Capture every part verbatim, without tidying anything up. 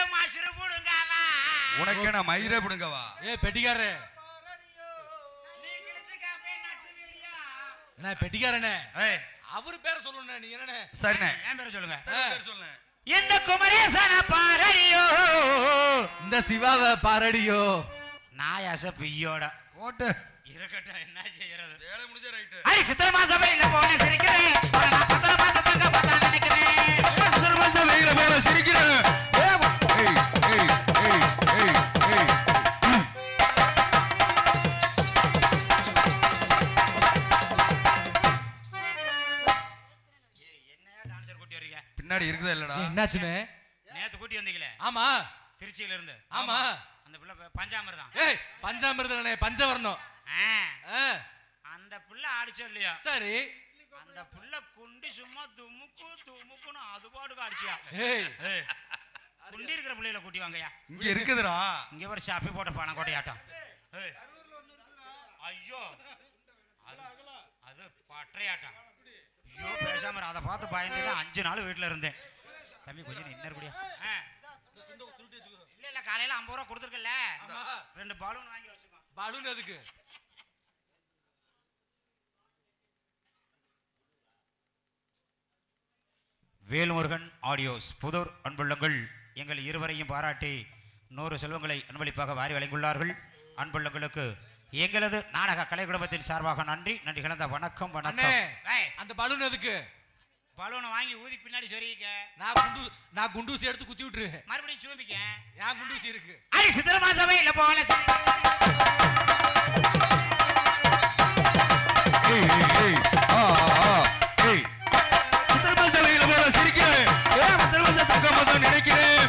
மசுரு புடுங்கவா உனக்கு என்ன மயிரே புடுங்கவா ஏ பெட்டிக்காரே என்ன பெட்டிக்காரனே அவர் பேரை சொல்லணும் நீ என்னண்ணே சரிண்ணே என் பேரை சொல்லுங்க பேர் சொல்லுங்க இந்த குமரேசன பாரடியோ இந்த சிவாவை பாரடியோ நாயாச பிய்யோட ஓட்டு இருக்கட்டும் என்ன செய்யறது வேலை முடிஞ்ச ரைட் அடி சித்திரமா சபையில போன சிரிக்கிறேன் நான் பத்தல பார்த்து தங்க பார்த்தா நினைக்கிறேன் சித்திரமா சபையில போன சிரிக்கிறேன் ஏய் ஏய் ஏய் ஏய் ஏய் என்னையா டான்சர் கூட்டி வரீங்க பின்னாடி இருக்குதா இல்லடா என்னாச்சுனே நேத்து கூட்டி வந்தீங்களே ஆமா திருச்சியில இருந்து ஆமா அந்த பிள்ளை பஞ்சாமிர்தம் ஏய் பஞ்சாமிர்தனே பஞ்சவர்ணம் அந்த பிள்ளை ஆடிச்சோ இல்லையா சரி அந்த பிள்ளை குண்டி சும்மா துமுக்கு துமுக்குன்னு அது பாட்டுக்கு அடிச்சியா ஏய் குண்டி இருக்கிற பிள்ளைகளை கூட்டி வாங்கயா இங்க இருக்குதுடா இங்க ஒரு ஷாப்பி போட்ட பணக்கோட்டையாட்டம் ஐயோ அது பற்றையாட்டம் ஐயோ பேசாம அதை பார்த்து பயந்துதான் அஞ்சு நாள் வீட்டுல இருந்தேன் தம்பி கொஞ்சம் இன்னொரு கூடியா இல்ல இல்ல காலையில ஐம்பது ரூபா கொடுத்துருக்கல ரெண்டு பாலூன் வாங்கி வச்சுக்கோ பாலூன் அதுக்கு வேல்முருகன் ஆடியோஸ் புதூர் அன்புள்ளங்கள் எங்கள் இருவரையும் பாராட்டி நூறு செல்வங்களை அன்பளிப்பாக வாரி வழங்கியுள்ளார்கள். அன்புள்ளங்களுக்கு எங்களது நாடக கலை குடும்பத்தின் சார்பாக நன்றி நன்றி கலந்த வணக்கம் வணக்கம். அந்த பலூன் எதுக்கு? பலூனை வாங்கி ஊதி பின்னாடி சொரிக்க. நான் குண்டு நான் குண்டூசி எடுத்து குத்தி விட்டுரு. மறுபடியும் சூம்பிக்க. ஏன் குண்டூசி இருக்கு? அடி சித்திரமா சபையில போல ஏய் ஏய் ஆ ஆ ஏய் சித்திரமா சபையில போல சிரிக்கிறேன். ஏ சித்திரமா தக்கமா தான் நினைக்கிறேன்.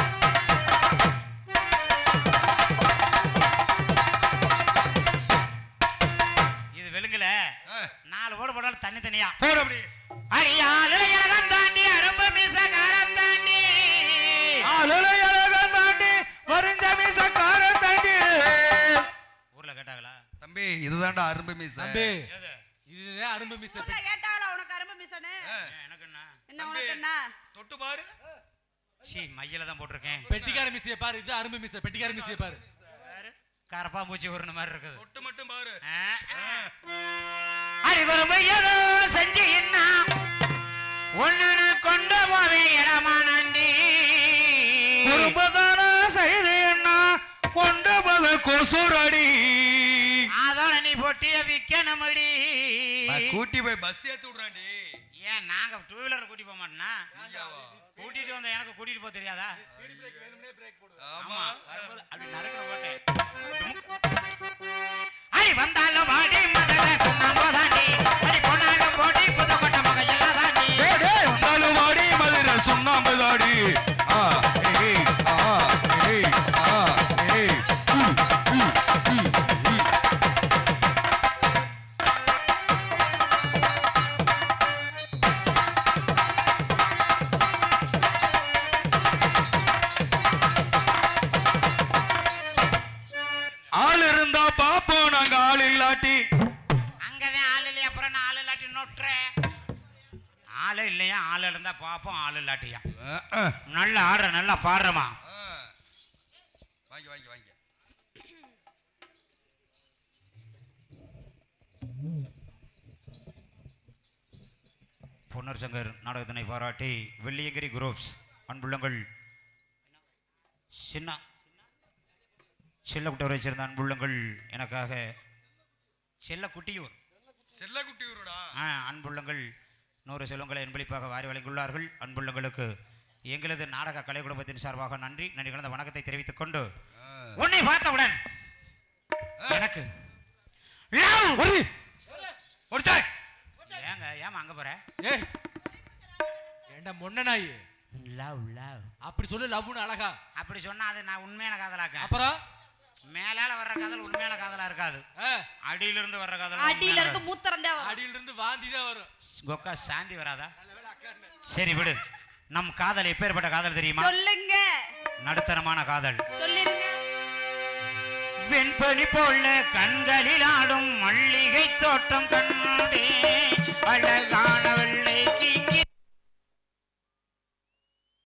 இது வெளுங்கல நாலு ஓட போடாலும் தண்ணி தனியா போட அப்படி. அடியாளை அழகன் தாண்டி அரும்பு மீசக்காரன் தாண்டி ஆளலை அழகன் தாண்டி வரிஞ்ச மீசக்காரன் தாண்டி. ஊர்ல கேட்டாங்களா? தம்பி இதுதான்டா அரும்பு மீச. தம்பி இதுதான் அரும்பு மீச. கேட்டாங்களா உனக்கு அரும்பு மீசனே? எனக்கு என்ன? என்ன உனக்கு என்ன? தொட்டு பாரு. சீ மையில தான் போட்டுருக்கேன். பெட்டிக்கார மீசைய பாரு. இது அரும்பு மீச. பெட்டிக்கார மீசைய பாரு. கரப்பா பூச்சி உருண மாதிரி இருக்குது. தொட்டு மட்டும் பாரு. அடி குறும்பு ஏதோ செஞ்சு என்ன ஒன்னு கொண்டு போவே இடமா நண்டி குறும்புதான செய்து என்ன கொண்டு போவ கொசுரடி. அதோட நீ பொட்டிய விக்கணுமடி. கூட்டி போய் பஸ் ஏத்தி விடுறாண்டி. ஏன் நாங்க டூ வீலர் கூட்டி போக மாட்டோம்னா? கூட்டிட்டு வந்த எனக்கு கூட்டிட்டு போக தெரியாதா? ஆமா அப்படி நறுக்கிற போட்டேன். அடி வந்தாலும் வாடி மதல சுண்ணாம்பு தாண்டி அடி பொன்னாலும் போடி புதுக்கோட்டை மகன் எல்லாம் தாண்டி வந்தாலும் வாடி மதுரை சுண்ணாம்பு தாடி. ஆ ஏய் ஆ ஏய் ஆ ஏய் ஆள் இருந்தா பாப்போம் நாங்க ஆள் இல்லாட்டி. அங்கதான் ஆள் இல்லையா அப்புறம் நான் ஆள் இல்லாட்டி நோட்டுறேன். ஆளு இல்லையா ஆள் இருந்தா பாப்போம் ஆள் இல்லாட்டியா. நல்லா ஆடுற நல்லா பாடுறமா. வாங்கி வாங்கி வாங்கி. பொன்னர் சங்கர் நாடகத்தினை பாராட்டி வெள்ளியங்கிரி குரூப்ஸ் அன்புள்ளங்கள் சின்ன செல்லக்குட்டவர் வச்சிருந்த அன்புள்ளங்கள் எனக்காக செல்லக்குட்டியூர் செல்லக்குட்டியூருடா அன்புள்ளங்கள் நூறு செல்வங்களை அன்பளிப்பாக வாரி வழங்கியுள்ளார்கள். அன்புள்ளங்களுக்கு எங்களது நாடக கலை குடும்பத்தின் சார்பாக நன்றி நன்றி கலந்த வணக்கத்தை தெரிவித்துக் கொண்டு உன்னை பார்த்தவுடன் எனக்கு ஏங்க ஏமா அங்க போற? ஏய் ஏண்டா மொண்ண நாய். லவ் லவ் அப்படி சொல்லு. லவ்னு அழகா அப்படி சொன்னா அது நான் உண்மையான காதலாக்க. அப்புறம் மேலால வர்ற காதல் உண்மையான காதலா இருக்காது. அடியில இருந்து வர்ற காதல் அடியில இருந்து மூத்திரம் தான் வரும். அடியில இருந்து வாந்தி தான் வரும். கொக்கா சாந்தி வராதா? சரி விடு. நம் காதல் எப்பேற்பட்ட காதல் தெரியுமா? சொல்லுங்க. நடுத்தரமான காதல். சொல்லிருங்க. வெண்பனி போல கண்களில் ஆடும் மல்லிகை தோட்டம் கண்டே அழகானவள்